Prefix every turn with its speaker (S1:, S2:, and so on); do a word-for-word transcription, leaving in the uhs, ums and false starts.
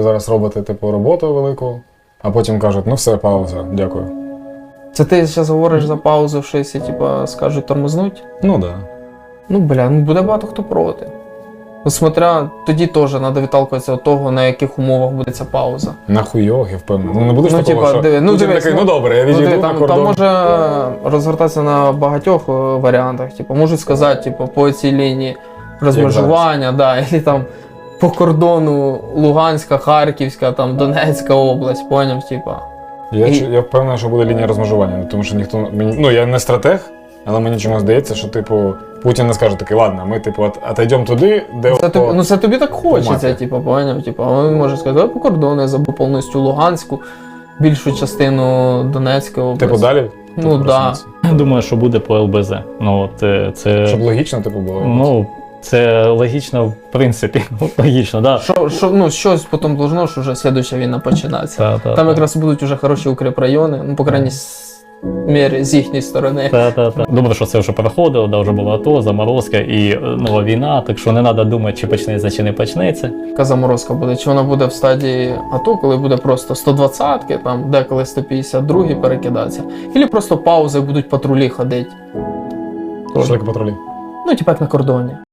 S1: зараз робите типу роботу велику, а потім кажуть, ну все, пауза, дякую.
S2: Це ти зараз говориш за паузу, що якщо типа, скажуть тормознуть?
S1: Ну так. Да.
S2: Ну, бля, ну буде багато хто проти. Ну, смотря, тоді теж треба відталкуватися від того, на яких умовах буде ця пауза.
S1: Нахуйох, я впевнений. Ну не будеш
S2: Ну,
S1: такого,
S2: типа,
S1: що
S2: диви, ну,
S1: Путін
S2: дивись,
S1: такий, ну
S2: ну,
S1: добре, я
S2: Ну,
S1: відійду
S2: диви,
S1: на
S2: там,
S1: кордон.
S2: там може розгортатися на багатьох е, варіантах. Типу, можуть сказати, типу, по цій лінії розмежування, да, і там по кордону Луганська, Харківська, там Донецька область, поняв, типа.
S1: Я,
S2: І-
S1: ч- я впевнений, що буде лінія розмежування, тому що ніхто мені. Ну я не стратег, але мені чомусь здається, що типу Путін не скаже такий, ладно, ми типу от, отойдемо туди, де
S2: Це тобі,
S1: по-
S2: ну це тобі так хочеться,
S1: мапі.
S2: типу, поняв, типу, а він може сказати, «Давай по кордону я забув повністю Луганську, більшу частину Донецької області.
S1: типу далі.
S2: Ну,
S1: Типу,
S2: да.
S1: просунутися.
S3: Я думаю, що буде по ел бе зет. Ну, от, е, це,
S1: Щоб логічно типу було.
S3: ну, це логічно, в принципі. Логічно, да.
S2: Що, що, ну, щось потім должно, що вже слідуюча війна починається.
S3: Та, та,
S2: Там
S3: та.
S2: якраз будуть вже хороші укріпрайони, ну, по крайній с- мірі, з їхньої сторони.
S3: Та, та, та. Добре, що це вже проходило, да, вже було АТО, заморозка і е, нова війна, так що не треба думати, чи почнеться, чи не почнеться.
S2: Яка заморозка буде? Чи вона буде в стадії АТО, коли буде просто сто двадцятки, там деколи сто п'ятдесят два перекидатися, або просто паузи, будуть патрулі ходити.
S1: Що таке патрулі?
S2: Ну, типу як на кордоні.